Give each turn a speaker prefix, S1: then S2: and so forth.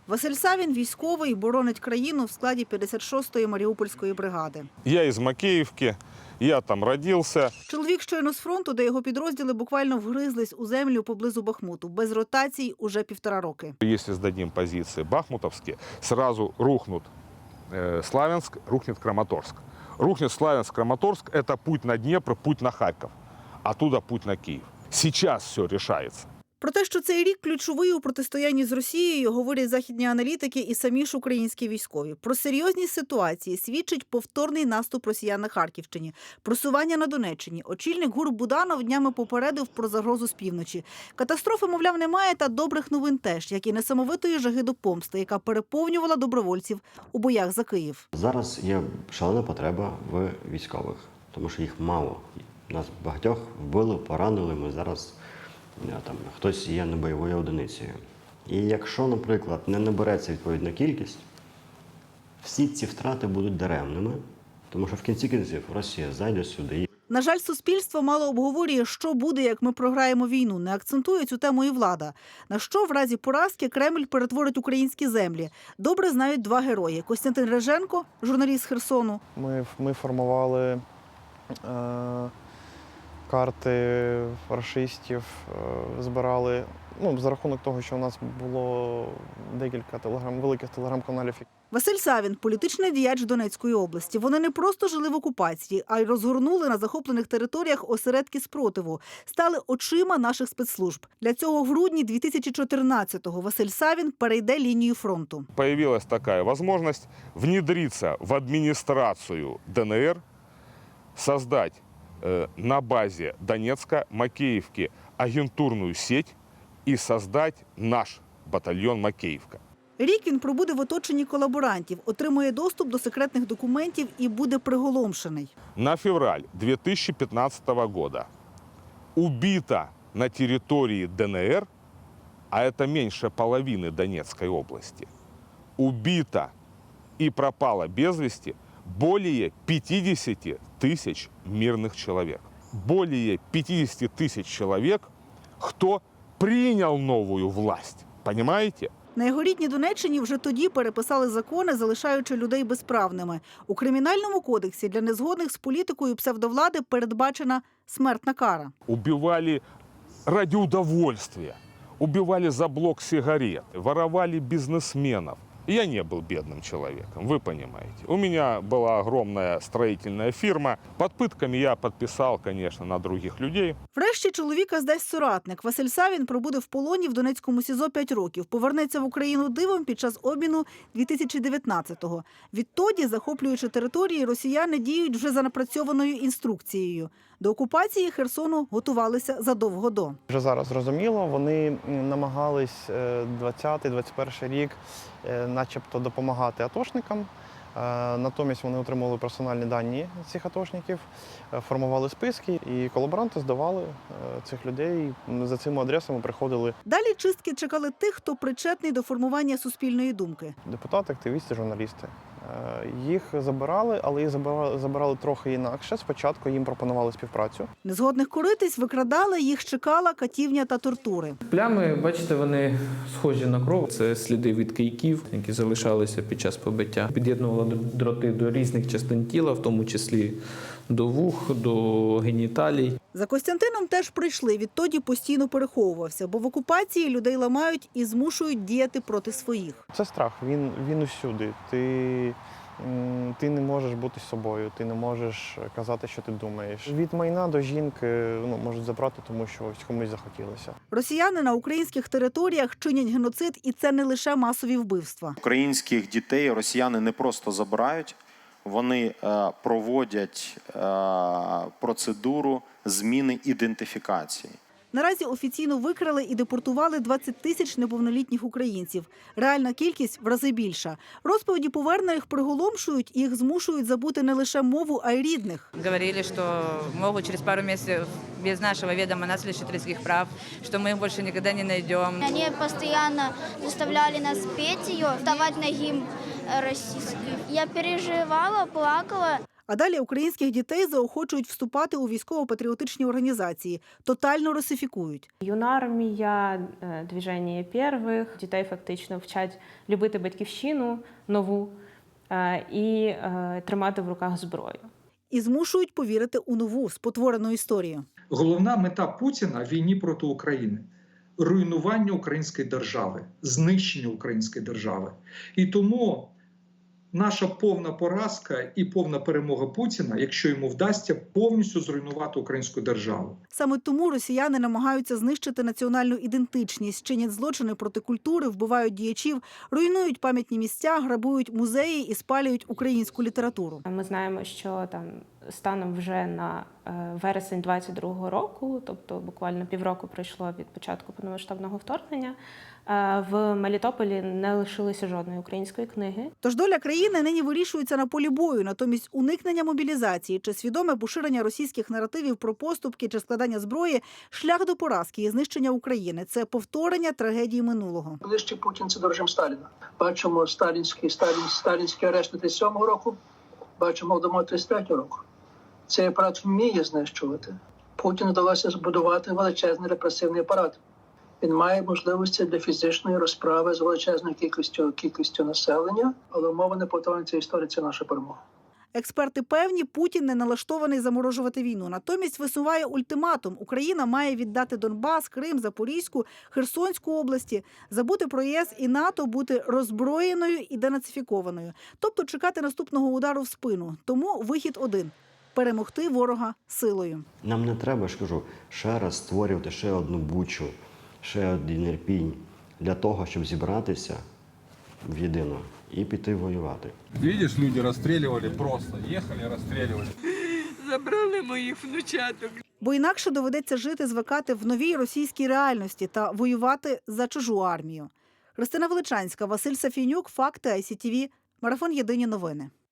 S1: Василь Савін – військовий, боронить країну в складі 56-ї Маріупольської бригади.
S2: Я із Макеївки, я там родився.
S1: Чоловік щойно з фронту, де його підрозділи буквально вгризлись у землю поблизу Бахмуту. Без ротацій уже 1,5 роки.
S2: Якщо здадим позиції бахмутовські, одразу рухнуть Славянськ, рухне Краматорськ. Рухне Славянськ, Краматорськ – це путь на Дніпро, путь на Харків. Оттуда путь на Київ. Зараз все рішається.
S1: Про те, що цей рік ключовий у протистоянні з Росією, говорять західні аналітики і самі ж українські військові. Про серйозність ситуації свідчить повторний наступ росіян на Харківщині, просування на Донеччині. Очільник ГУР Буданов днями попередив про загрозу з півночі. Катастрофи, мовляв, немає, та добрих новин теж, як і несамовитої жаги до помсти, яка переповнювала добровольців у боях за Київ.
S3: Зараз є шалена потреба в військових, тому що їх мало. Нас багатьох вбили, поранили, ми зараз... Там, хтось є не бойовою одиницею. І якщо, наприклад, не набереться відповідна кількість, всі ці втрати будуть даремними, тому що в кінці кінців Росія зайде сюди.
S1: На жаль, суспільство мало обговорює, що буде, як ми програємо війну. Не акцентує цю тему і влада. На що в разі поразки Кремль перетворить українські землі. Добре знають два герої. Костянтин Реженко, журналіст з Херсону.
S4: Ми формували карти рашистів, збирали, за рахунок того, що у нас було декілька великих телеграм-каналів.
S1: Василь Савін – політичний діяч Донецької області. Вони не просто жили в окупації, а й розгорнули на захоплених територіях осередки спротиву. Стали очима наших спецслужб. Для цього в грудні 2014-го Василь Савін перейде лінію фронту.
S2: Появилась така можливість внедритися в адміністрацію ДНР, создать на базе Донецка, Макеевки агентурную сеть и создать наш батальйон Макеївка.
S1: Рік він пробуде в оточенні колаборантів, отримує доступ до секретних документів і буде приголомшений.
S2: На февраль 2015 года убито на территории ДНР, а это меньше половины Донецкой области, убито и пропало без вести более 50 тысяч мирных человек. Более 50 тысяч человек, кто принял новую власть. Понимаете?
S1: На його рідній Донеччині вже тоді переписали закони, залишаючи людей безправними. У Кримінальному кодексі для незгодних з політикою псевдовлади передбачена смертна кара.
S2: Убивали ради удовольствия, убивали за блок сигарет, воровали бизнесменов. Я не был бедным человеком, вы понимаете. У меня была огромная строительная фирма. Под пытками я подписал, конечно, на других людей.
S1: Врешті чоловіка здасть соратник. Василь Савін пробуде в полоні в Донецькому СІЗО 5 років. Повернеться в Україну дивом під час обміну 2019-го. Відтоді, захоплюючи території, росіяни діють вже за напрацьованою інструкцією. До окупації Херсону готувалися задовго до.
S4: Вже зараз зрозуміло, вони намагались 20-21 рік начебто допомагати атошникам. Натомість вони отримували персональні дані цих атошників, формували списки, і колаборанти здавали цих людей. За цими адресами приходили.
S1: Далі чистки чекали тих, хто причетний до формування суспільної думки.
S4: Депутати, активісти, журналісти. Їх забирали, але їх забирали трохи інакше. Спочатку їм пропонували співпрацю.
S1: Незгодних коритись викрадали, їх чекала катівня та тортури.
S5: Плями, бачите, вони схожі на кров. Це сліди від кийків, які залишалися під час побиття. Під'єднували дроти до різних частин тіла, в тому числі до вух, до геніталій.
S1: За Костянтином теж прийшли, відтоді постійно переховувався, бо в окупації людей ламають і змушують діяти проти своїх.
S4: Це страх, він усюди. Ти не можеш бути собою, ти не можеш казати, що ти думаєш. Від майна до жінки можуть забрати, тому що комусь захотілося.
S1: Росіяни на українських територіях чинять геноцид, і це не лише масові вбивства.
S6: Українських дітей росіяни не просто забирають, вони проводять процедуру зміни ідентифікації.
S1: Наразі офіційно викрали і депортували 20 тисяч неповнолітніх українців. Реальна кількість в рази більша. Розповіді повернених приголомшують, їх змушують забути не лише мову, а й рідних.
S7: Говорили, що можуть через пару місяців без нашого відома нас лишити людських прав, що ми їх більше ніколи не знайдемо.
S8: Вони постійно заставляли нас петь її, вставати на гімн російський. Я переживала, плакала.
S1: А далі українських дітей заохочують вступати у військово-патріотичні організації, тотально русифікують.
S9: Юнармія, движення первих, дітей фактично вчать любити батьківщину нову і тримати в руках зброю.
S1: І змушують повірити у нову, спотворену історію.
S10: Головна мета Путіна в війні проти України – руйнування української держави, знищення української держави. І тому наша повна поразка і повна перемога Путіна, якщо йому вдасться повністю зруйнувати українську державу.
S1: Саме тому росіяни намагаються знищити національну ідентичність, чинять злочини проти культури, вбивають діячів, руйнують пам'ятні місця, грабують музеї і спалюють українську літературу.
S9: Ми знаємо, що там станом вже на вересень 22-го року, тобто буквально півроку пройшло від початку повномасштабного вторгнення, в Мелітополі не лишилося жодної української книги.
S1: Тож доля країни нині вирішується на полі бою, натомість уникнення мобілізації чи свідоме поширення російських наративів про поступки чи складання зброї – шлях до поразки і знищення України. Це повторення трагедії минулого.
S11: Ближче Путін – це до режим Сталіна. Бачимо сталінські арешти 37-го року, бачимо Голодомор 33-го року. Цей апарат вміє знищувати. Путіну вдалося збудувати величезний репресивний апарат. Він має можливості для фізичної розправи з величезною кількістю населення, але умова неповторення цієї історії – це наша перемога.
S1: Експерти певні, Путін не налаштований заморожувати війну. Натомість висуває ультиматум. Україна має віддати Донбас, Крим, Запорізьку, Херсонську області, забути про ЄС і НАТО, бути роззброєною і денацифікованою. Тобто чекати наступного удару в спину. Тому вихід один – перемогти ворога силою.
S3: Нам не треба, ж кажу, ще раз створювати ще одну Бучу, ще один Ірпінь для того, щоб зібратися в єдино і піти воювати.
S12: Видишь, люди розстрілювали просто, їхали, розстрілювали.
S13: Забрали моїх внучаток.
S1: Бо інакше доведеться жити, звикати в новій російській реальності та воювати за чужу армію. Христина Величанська, Василь Сафійнюк, Факти, ICTV, Марафон Єдині новини.